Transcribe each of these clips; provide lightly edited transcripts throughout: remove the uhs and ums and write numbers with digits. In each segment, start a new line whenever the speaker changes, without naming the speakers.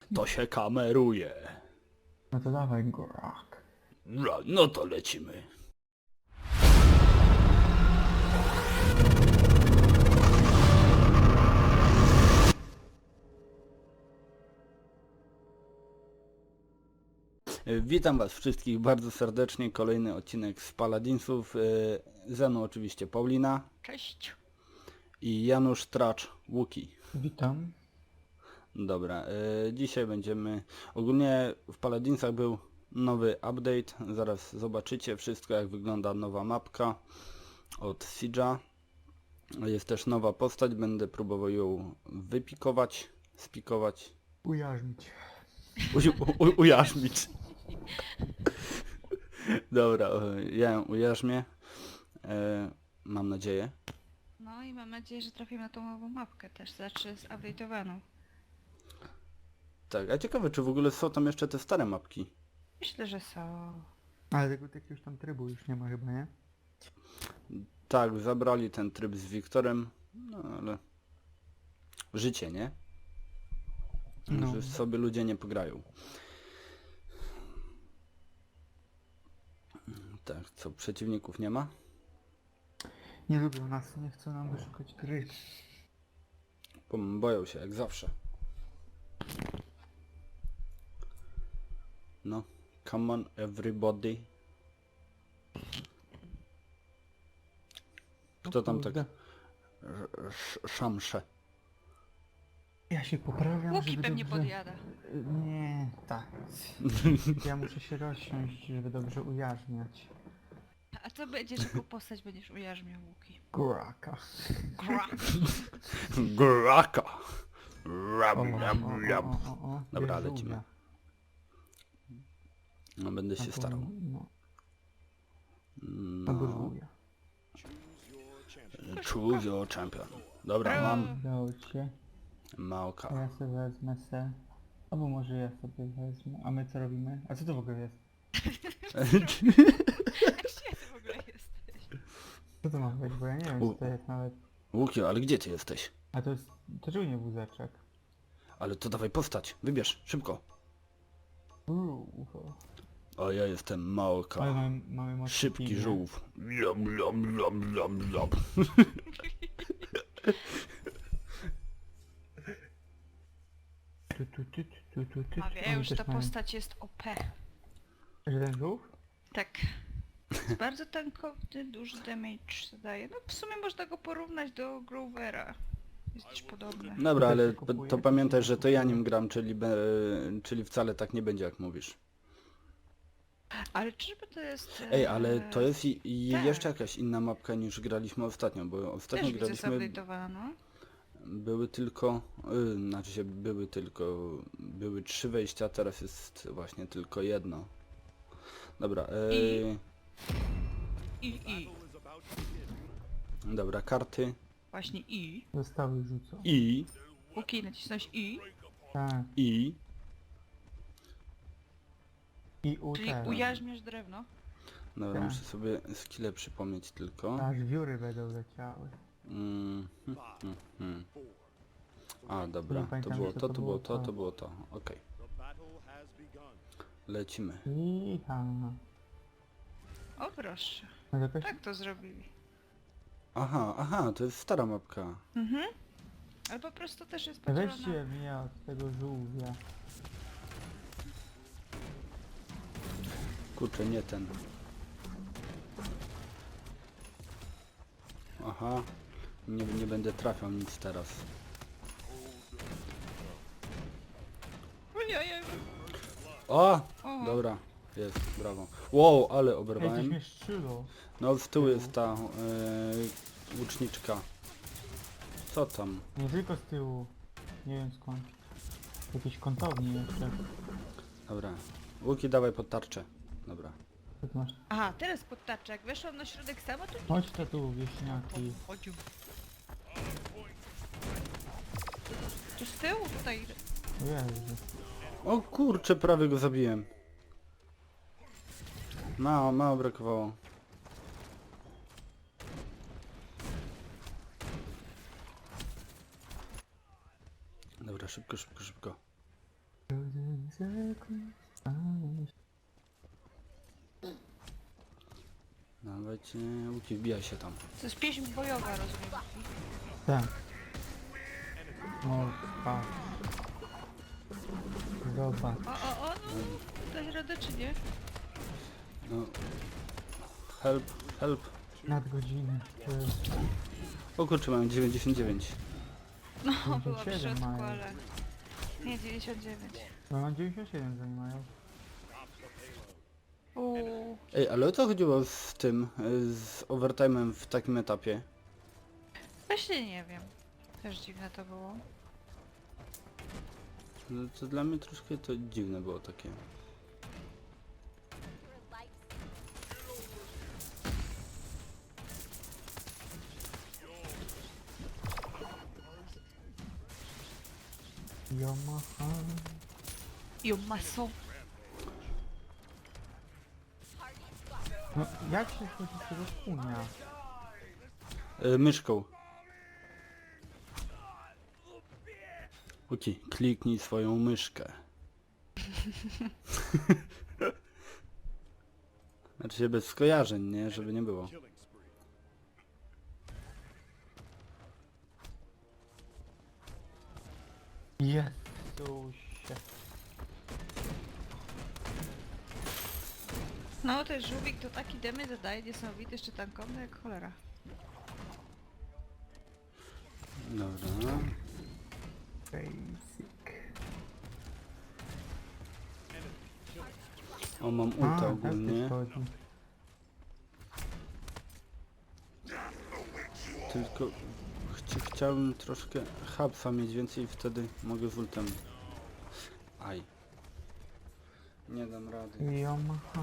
To się kameruje.
No to dawaj, Gorak.
No to lecimy. Witam was wszystkich bardzo serdecznie. Kolejny odcinek z Paladinsów. Ze mną oczywiście Paulina
Cześć.
i Janusz Tracz Łuki.
Witam.
Dobra, dzisiaj będziemy... Ogólnie w Paladinsach był nowy update. Zaraz zobaczycie wszystko, jak wygląda nowa mapka od Siege'a. Jest też nowa postać, będę próbował ją wypikować, spikować,
Ujarzmić.
ujarzmić. Dobra, ja ją ujarzmię. Mam nadzieję.
No i mam nadzieję, że trafimy na tą nową mapkę też, znaczy zupdate'owaną.
Tak, a ciekawe, czy w ogóle są tam jeszcze te stare mapki?
Myślę, że są.
Ale tego jakiegoś tam trybu już nie ma chyba, nie?
Tak, zabrali ten tryb z Wiktorem, no ale... Życie, nie?
No.
Że sobie ludzie nie pograją. Tak, co, przeciwników nie ma?
Nie lubią nas, nie chcą nam wyszukać gry.
Boją się, jak zawsze. No, come on everybody. Kto tam tak szamsze?
Ja się poprawiam,
Łuki
żeby
pewnie
dobrze...
podjada.
Nie, tak. Ja muszę się rozsiąść, żeby dobrze ujarzmiać.
A co będziesz, jaką postać będziesz ujarzmiał, Łuki?
Goraka.
Graka!
O.
Dobra,
Jest
lecimy.
żółwia.
No, będę się
Albo-
starał.
No, albo
No,
żółwia.
choose your champion. Dobra, mam
Udało się. A
Małka.
ja sobie wezmę se. Albo może ja sobie wezmę. A my co robimy? A co to w ogóle jest?
Gdzie ty w ogóle jesteś?
Co to ma być? Bo ja nie wiem co to jest nawet.
Łukio, ale gdzie ty jesteś?
A to jest... To czemu nie wózeczek?
Ale to dawaj postać, wybierz, szybko. O, ja jestem
Ale
Małka.
mamy mocny
Szybki
team, nie?
żółw. Lom.
Tu.
A wie,
Oni
już
też
ta
mają-
postać jest OP.
Że ten żółw?
Tak. Jest bardzo tankowny, duży damage zadaje. No w sumie można go porównać do Grovera. Jest gdzieś podobny.
Dobra,
To
ale
się kupuje,
to
to
pamiętaj,
się
że to ja
kupuje.
nim gram, czyli wcale tak nie będzie, jak mówisz.
Ale czyżby to jest...
Ej, ale to jest i
tak.
jeszcze jakaś inna mapka niż graliśmy ostatnio, bo ostatnio
Też widzę
graliśmy...
zupdate'owano.
Były tylko... znaczy się były 3 wejścia, teraz jest właśnie tylko jedno. Dobra,
I.
dobra, karty.
Właśnie I.
Zostały rzucą.
I...
Łuki, nacisnąć I.
Tak.
I...
I u
Czyli
teraz.
ujarzmiasz drewno.
Dobra,
Tak.
muszę sobie skille przypomnieć tylko.
Aż wióry będą leciały.
Hmm. A, dobra,
Nie
to
pamiętam,
było
co
to,
to
to
było
było to,
to.
to było to. Okej. Lecimy.
Iha.
O proszę.
No to jakaś...
Tak to zrobili.
Aha, to jest stara mapka.
Mhm. Ale po prostu też jest
Weźcie
podzielona.
mnie od tego żółwia.
Kurczę, nie ten. Aha. Nie będę trafiał nic teraz.
Ojej.
O!
O.
Dobra, jest, brawo. Wow, ale
Ej, coś
oberwałem.
mnie szczylo.
No z tyłu jest ta łuczniczka. Co tam?
Nie tylko z tyłu. Nie wiem skąd. Jakieś kątowni jeszcze.
Dobra. Łuki, dawaj pod tarczę. Dobra.
Co ty masz?
Aha, teraz pod tarczę. Jak weszłam na środek sama, to
Chodź to tu, wieśniaki.
chodził. Tu z tyłu tutaj.
Jezu.
O kurczę, prawie go zabiłem. Mało brakowało. Dobra, szybko. Dawajcie, Łuki, wbijaj się tam.
To jest pieśń bojowa, rozumiem.
Tak. O, patrz. Zobacz.
O, no, dać radę czy nie?
No. Help, help.
Nadgodziny. To jest
O kurczę, mam 99.
No, była w
97
środku,
mają.
ale... Nie, 99.
No mam 97 zajmują.
Uuu.
Ej, ale o co chodziło z tym, z overtime'em w takim etapie?
Właśnie nie wiem. Też dziwne to było.
No, to dla mnie troszkę to dziwne było takie.
Yamaha.
Jumaso.
No jak się chodzi z tego kunia?
Myszką. Łuki, kliknij swoją myszkę. Znaczy się bez skojarzeń, nie? Żeby nie było.
Jezusie.
No, ten żółwik to taki demy zadaje niesamowity, jeszcze tankowny jak cholera.
Dobra.
Basic.
O, mam ulta
tak
ogólnie.
to chodzi.
Tylko chciałbym troszkę hapsa mieć więcej i wtedy mogę z ultem. Aj. Nie dam rady.
Yamaha.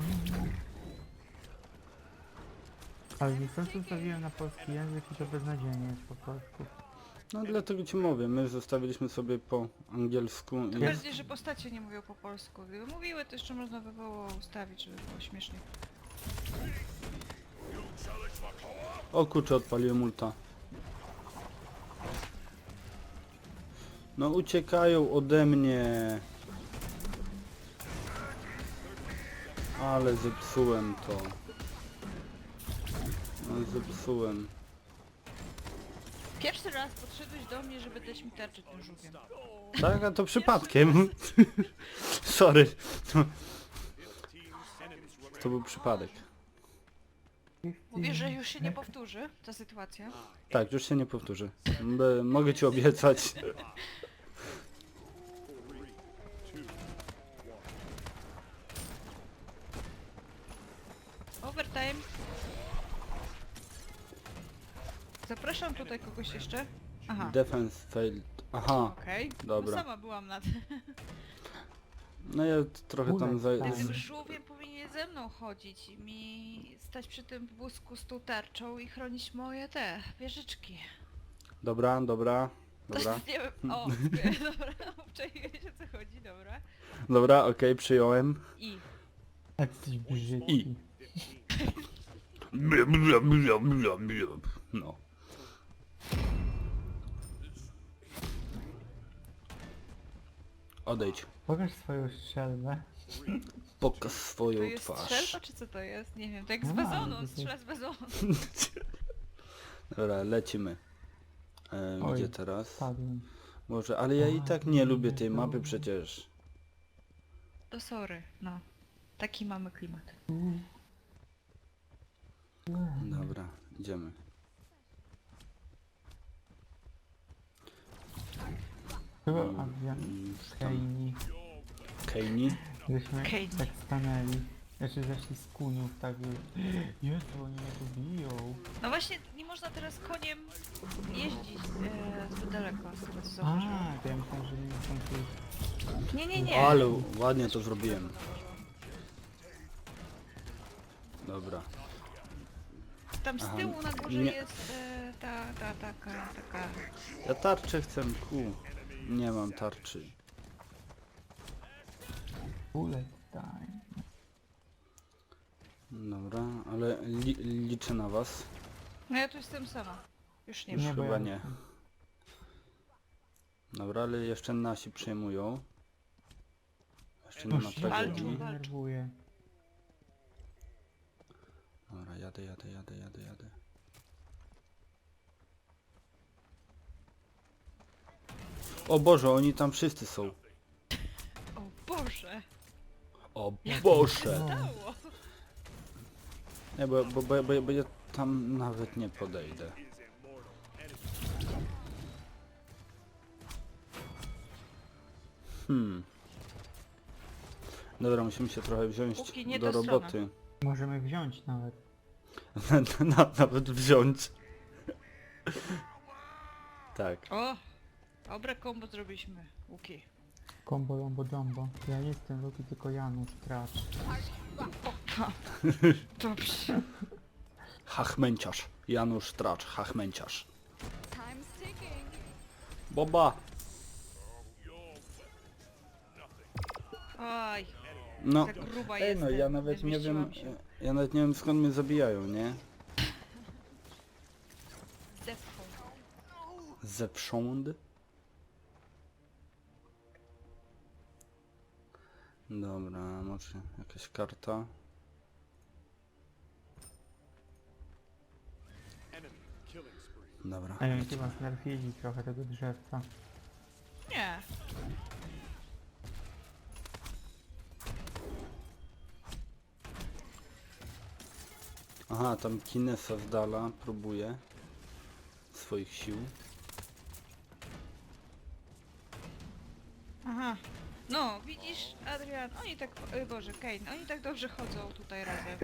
Ale niestety ustawiłem na polski język i to beznadziejnie jest po polsku.
No dlatego ci mówię, my zostawiliśmy sobie po angielsku i...
Tym bardziej, że postacie nie mówią po polsku. Gdyby mówiły, to jeszcze można by było ustawić, żeby było śmiesznie.
O kurczę, odpaliłem ulta. No uciekają ode mnie. Ale zepsułem to. No zepsułem.
Pierwszy raz podszedłeś do mnie, żeby dać mi tarczę tym żółwiem.
Tak, a to przypadkiem. Sorry. To był przypadek.
Mówisz, że już się nie powtórzy ta sytuacja?
Tak, już się nie powtórzy. Mogę ci obiecać.
Overtime. Zapraszam tutaj kogoś jeszcze. Aha,
Defense failed. Aha,
okej.
dobra.
No sama byłam na
no ja trochę tam za...
Bullet
tym
time.
żółwiem powinien ze mną chodzić i mi stać przy tym wózku z tą tarczą i chronić moje te wieżyczki.
Dobra, dobra, dobra.
Nie wiem, o, dobra, obczaiłeś o co chodzi, dobra.
Dobra, okej, przyjąłem.
I
Jakiś brzydki.
I. No. Odejdź.
Pokaż swoją strzelbę.
Pokaż
to
swoją
jest
twarz.
strzelba czy co to jest? Nie wiem, to jak z
A,
bazonu,
to
on
jest-
strzela z bazonu.
Dobra, lecimy.
Oj,
Gdzie teraz?
Padłem.
Może, ale ja i tak nie lubię tej mapy przecież.
To sorry, no. Taki mamy klimat.
Dobra, idziemy.
Chyba
Mm,
Adrian
tam.
Kejni.
Kejni?
Żeśmy
Kejni.
tak stanęli. Znaczy zeszli z kuniów, tak Jezu, oni mnie tu biją.
No właśnie, nie można teraz koniem jeździć zbyt daleko, z tego co
A,
zauważyłam.
to ja myślałem, że nie są tu...
Nie.
Ale ładnie to zrobiłem. Dobra.
Tam z
Aha,
tyłu na górze
nie.
jest taka...
Ja tarczę chcę, Nie mam tarczy.
Bullet time.
Dobra, ale liczę na was.
No ja tu jestem sama. Już nie
Już
ma.
Nie, bo
chyba
ja-
nie. Dobra, ale jeszcze nasi przejmują. Jeszcze nie ma
Już
tragedii.
mnie denerwuje.
Dobra, jadę. O Boże, oni tam wszyscy są.
O Boże!
O
Jak
Boże!
to się stało?
Nie, bo ja tam nawet nie podejdę. Dobra, musimy się trochę wziąć
Póki nie
do
ta
roboty.
Możemy wziąć nawet.
Nawet wziąć. Tak.
O! Dobre kombo zrobiliśmy. Łuki.
Combo Lombo Jumbo. Ja nie jestem Luki, tylko Janusz, Tracz.
Dobrze.
Hachmęciarz. Janusz Tracz, hachmęciarz.
Time's ticking.
Boba!
Oj,
No,
tak gruba
ej,
jestem.
no ja nawet nie wiem,
zmieściłam się.
ja nawet nie wiem skąd mnie zabijają, nie?
Zepchł.
Zewsząd? Dobra, może jakaś karta. Dobra.
A ja chyba znerfili trochę tego drzewca.
Nie.
Aha, tam Kinesa z dala próbuje swoich sił.
Aha. No, widzisz, Adrian, oni tak, Boże, Kane, oni tak dobrze chodzą tutaj razem.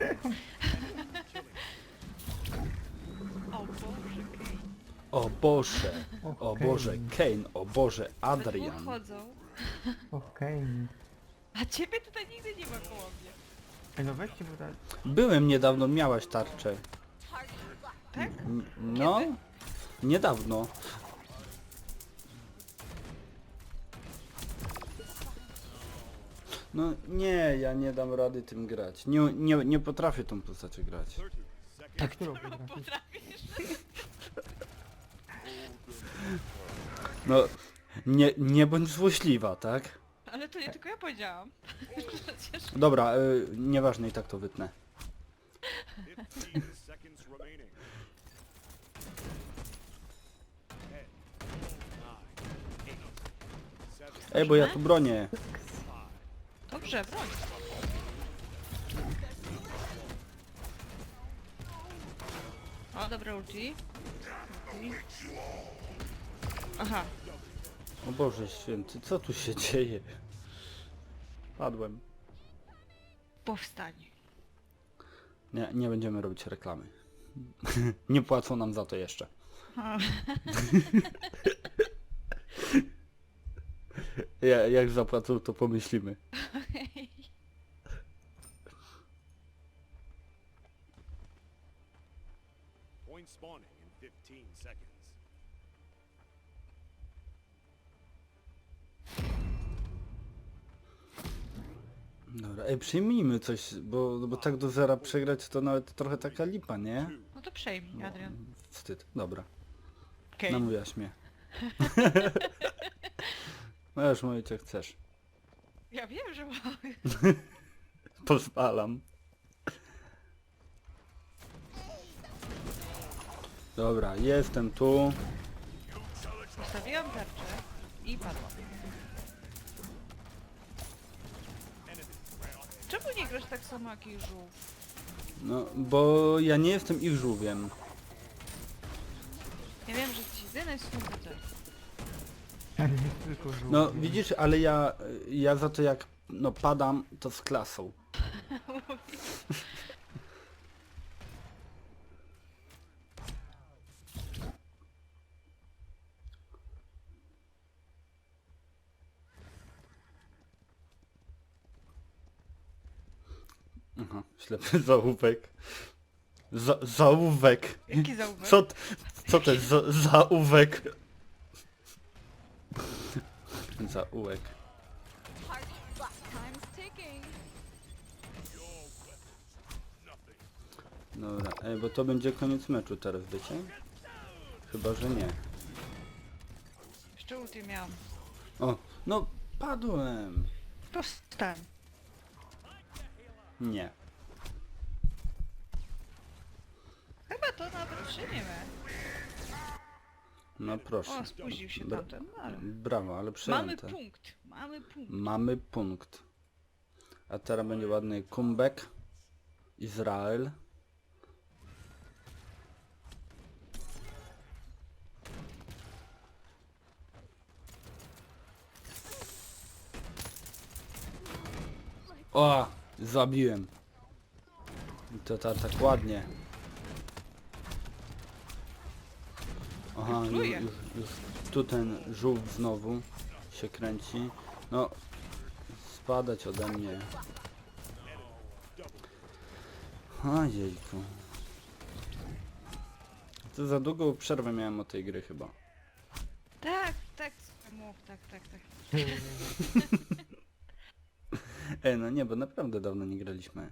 O Boże, Kane.
O Boże! O
Okej.
Boże, Kane! O Boże,
We dwóch
Adrian!
chodzą,
Okej.
a ciebie tutaj nigdy nie ma koło mnie.
Ej, no weźcie, bo tak...
Byłem niedawno, miałaś tarczę.
Tak?
No,
Kiedy?
niedawno. No nie, ja nie dam rady tym grać. Nie potrafię tą postacią grać.
A którą potrafisz?
Potrafisz?
No, nie bądź złośliwa, tak?
Ale to nie tylko ja powiedziałam. Przecież...
Dobra, nieważne, i tak to wytnę.
15 seconds remaining. 10, 9, 8, 7,
Ej, bo ja tu bronię.
Dobrze, broń. O, dobra ulti. Aha,
O Boże święty, co tu się dzieje? Padłem.
powstań.
Nie będziemy robić reklamy. Nie płacą nam za to jeszcze.
O,
Jak zapłacą, to pomyślimy.
point spawning in 15 seconds.
Dobra, ej, przyjmijmy coś, bo tak do zera przegrać to nawet trochę taka lipa, nie?
no to przejmij, Adrian.
Wstyd, dobra.
Okej.
Namówiłaś mnie. Możesz mówić jak chcesz.
Ja wiem, że mam.
Pozwalam. Dobra, jestem tu.
Postawiłam tarczę i padłam. Czemu nie grasz tak samo jak i żółw?
No, bo ja nie jestem ich żółwiem.
Ja wiem, że jesteś jedyny słuchacz.
Ja nie tylko żółwie.
No, widzisz, ale ja za to jak no padam, to z klasą. Aha, ślepy zaułek. Zaułek.
Jaki zaułek?
Co to jest zaułek? Zaułek.
Time's ticking.
Dobra, ej, bo to będzie koniec meczu teraz, wiecie? Chyba, że nie.
Jeszcze ulti miałam.
O, no padłem.
Dostałem.
Nie.
Chyba to nawet przyjmiemy.
No proszę.
O, spóźnił się
Bra-
tamten, no ale...
Brawo, ale
Mamy
przejęte.
punkt, mamy punkt.
Mamy punkt. A teraz będzie ładny comeback. Izrael. O! Zabiłem. I to tak ładnie. Aha,
Pluje.
już tu ten żółw znowu się kręci. No, spadać ode mnie. Ojejku. To za długą przerwę miałem od tej gry chyba.
Tak, tak, mów, tak.
No nie, bo naprawdę dawno nie graliśmy.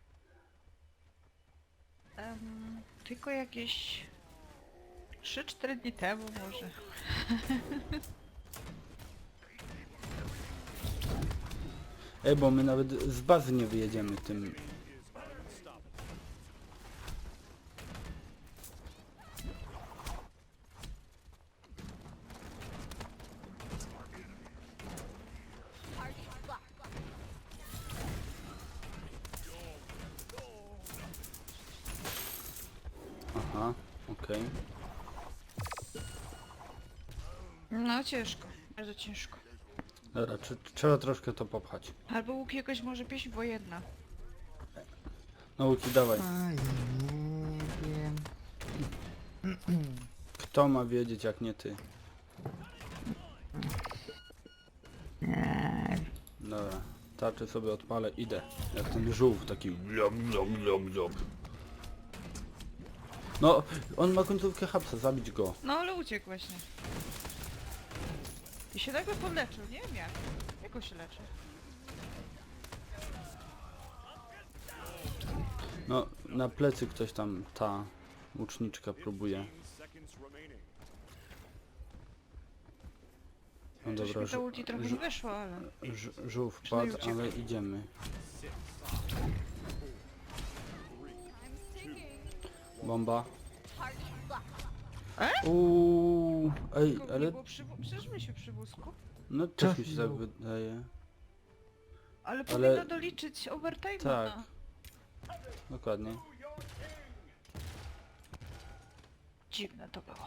Tylko jakieś 3-4 dni temu może.
Bo my nawet z bazy nie wyjedziemy tym. Aha, okej.
No ciężko, bardzo ciężko.
Dobra, trzeba troszkę to popchać.
Albo łuk jakoś może pieśń wojenna.
No Łuki, dawaj.
Oj, nie wiem.
Kto ma wiedzieć jak nie ty?
Nie.
Dobra, tarczę sobie odpalę, idę. Jak ten żółw taki blup, blup, blup, blup. No, on ma końcówkę hapsa, zabić go.
No ale uciekł właśnie. I się nagle podleczył, nie wiem jak. Jak on się leczy?
No, na plecy ktoś tam, ta łuczniczka próbuje.
15 seconds remaining.
No
Coś
dobra,
mi to ulti trochę nie wyszło, ale...
żółw
Przynajmniej
padł, ale
uciekł.
idziemy.
Time's ticking.
Bomba.
E?
Uuu, ej,
Tylko nie
ale
było przecież byliśmy przy wózku.
no też mi się tak
Trafił.
wydaje.
Ale
Ale-
powinno doliczyć overtime.
Tak. Dokładnie.
Dziwne to było.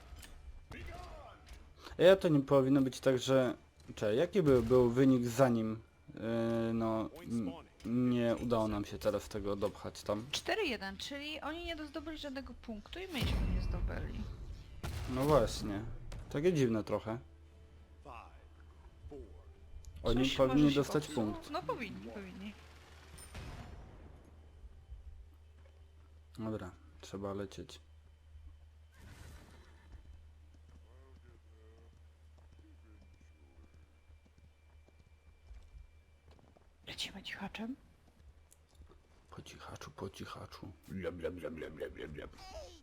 Ja to nie powinno być tak, że... Czekaj, jaki był wynik zanim no nie udało nam się teraz tego dopchać tam?
4-1, czyli oni nie zdobyli żadnego punktu i myśmy nie zdobyli.
No właśnie. Takie dziwne trochę.
5, 4,
Oni
Coś
powinni
może się
dostać
popsuło.
punkt.
No powinni.
Dobra, trzeba lecieć.
Lecimy cichaczem.
Po cichaczu, po cichaczu. Bla, bla, bla, bla, bla, bla, bla.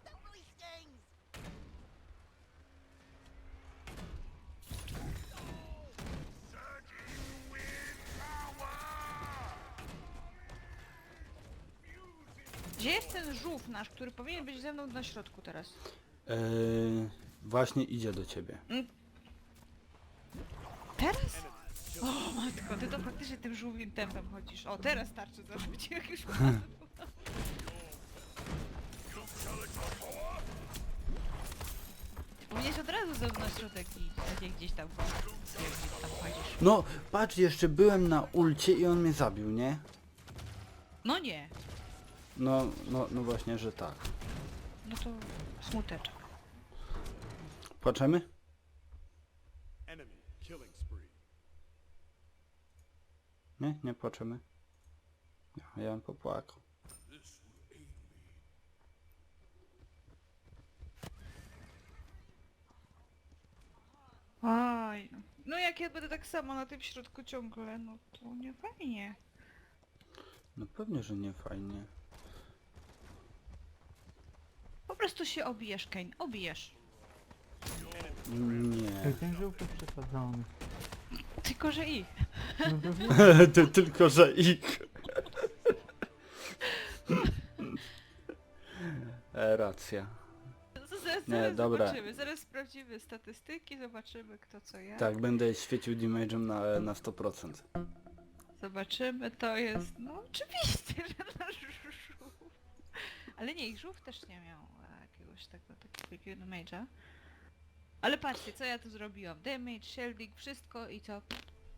Gdzie jest ten żółw nasz, który powinien być ze mną na środku teraz?
Właśnie idzie do ciebie.
Teraz? O matko, ty to faktycznie tym żółwim tempem chodzisz. O, teraz starczy zarobić jak już Powinieneś od razu ze mną na środek i a nie gdzieś tam, jak tam chodzisz.
No, patrz, jeszcze byłem na ulcie i on mnie zabił, nie?
No nie,
No właśnie, że tak.
no to smuteczek.
Płaczemy?
enemy killing spree.
Nie płaczemy. Ja bym popłakał.
Oj, no jak ja będę tak samo na tym środku ciągle, no to nie fajnie.
No pewnie, że nie fajnie.
Po prostu się obijesz, Kane, obijesz.
Nie.
Ej, ten żółty przesadzony.
Tylko, że i.
No to wiem.
Tylko, że ich. Racja.
Zaraz,
Nie,
zaraz
dobra.
zobaczymy, zaraz sprawdzimy statystyki, zobaczymy kto co jak.
Tak, będę świecił damage'em na 100%.
Zobaczymy, to jest... No oczywiście, że nasz żółw. Ale nie, ich żółw też nie miał jakiegoś takiego damage'a. Ale patrzcie, co ja tu zrobiłam. Damage, shielding, wszystko i co?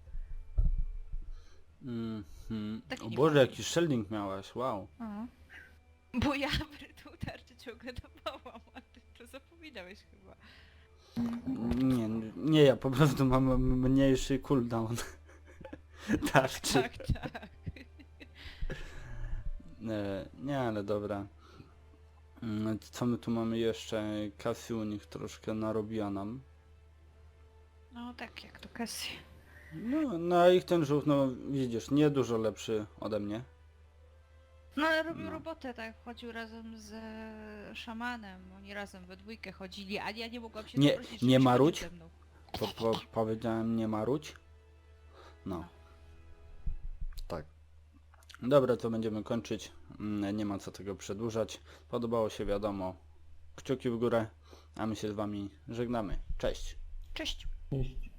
Taki
O
nie
Boże,
fajny.
jaki shielding miałaś, wow.
O. Bo ja tą tarczę ciągle dawałam, a ty to zapominałeś chyba.
Nie, ja po prostu mam mniejszy cooldown. Tarczy.
Tak, tak.
Nie, ale dobra. Co my tu mamy jeszcze? Cassie u nich troszkę narobiła nam.
No tak, jak to Cassie.
No a ich ten żółw, no widzisz, nie dużo lepszy ode mnie.
No ale robił
No.
robotę, tak, chodził razem z szamanem, oni razem we dwójkę chodzili, a ja nie mogłam się
Nie-
doprosić,
nie
żebyś
marudź?
chodził ze mną.
Powiedziałem nie marudź. No. Tak. Dobra, to będziemy kończyć. Nie ma co tego przedłużać. Podobało się, wiadomo. Kciuki w górę, a my się z wami żegnamy. Cześć.
Cześć!
Cześć.